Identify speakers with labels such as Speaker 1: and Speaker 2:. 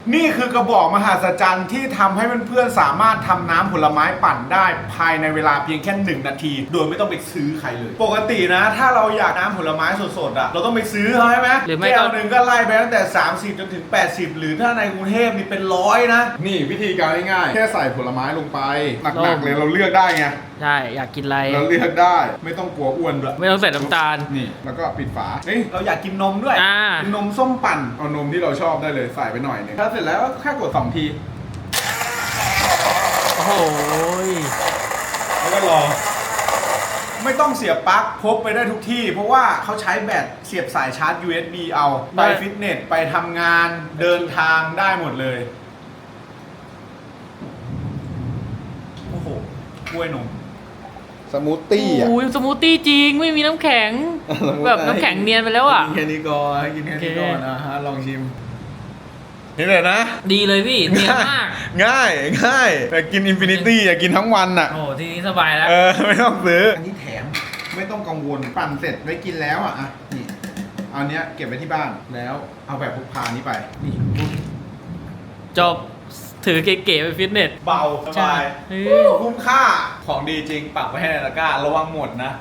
Speaker 1: นี่คือกระบอกมหัศจรรย์ที่ทำให้เพื่อนๆสามารถทำน้ำผลไม้ปั่นได้ภายในเวลาเพียงแค่1 นาที โดยไม่ต้องไปซื้อใครเลย ปกตินะถ้าเราอยากน้ำผลไม้สดๆอ่ะเราต้องไปซื้อเขาใช่ไหม
Speaker 2: หรือไม่ก็
Speaker 1: แก้วหนึ่งก็ไล่ไปตั้งแต่30จนถึง80หรือถ้าในกรุงเทพนี่เป็น100นะนี่วิธีการง่ายๆแค่ใส่ผลไม้ลงไปหนักๆเลยเราเลือกได้ไง
Speaker 2: ใช่อยากกินอะไร
Speaker 1: เราเลือกได้ไม่ต้องกลัวอ้วนด้วย
Speaker 2: ไม่ต้องใส่น้ำตาล
Speaker 1: นี่แล้วก็ปิดฝาเฮ้ยเราอยากกินนมด้วย
Speaker 2: อ่า
Speaker 1: กินนมส้มปั่นเอานมที่เราชอบได้เลยใส่ไปหน่อยหนึงถ้าเสร็จแล้วก็แค่กด2 ที
Speaker 2: โอ้โห
Speaker 1: แล้วก็รอไม่ต้องเสียบปลั๊กพกไปได้ทุกที่ เพราะว่าเขาใช้แบตเสียบสายชาร์จ USB เอาไปฟิตเนสไปทำงานเดินทางได้หมดเลยโอ้โหกล้วยนมสมูทตี้อ่ะ
Speaker 2: โอ้ยสมูทตี้จริงไม่มีน้ำแข็ง แบบน้ำแข็งเนียนไปแล้วอ่ะ
Speaker 1: กินแค่นี้ก่อนกินแค่นี้ก่อน
Speaker 2: โอเค
Speaker 1: นะฮะลองชิมนี่เลยนะ
Speaker 2: ดีเลยพี่เนียนมาก
Speaker 1: ง่ายแต่กินอินฟินิตี้อยากกินทั้งวันอ่ะ
Speaker 2: โอ้ทีนี้สบายแล้ว
Speaker 1: ไม่ต้องซื้ออันนี้แถมไม่ต้องกังวลปั่นเสร็จไว้กินแล้วอ่ะนี่เอาเนี้ยเก็บไว้ที่บ้านแล้วเอาแบบพกพานี้ไปนี่
Speaker 2: จบถือเก๋ๆไปฟิตเนส
Speaker 1: เบาสบาย
Speaker 2: ใช่
Speaker 1: คุ้มค่าของดีจริงปักไว้ให้ในตะกร้าระวังหมดนะ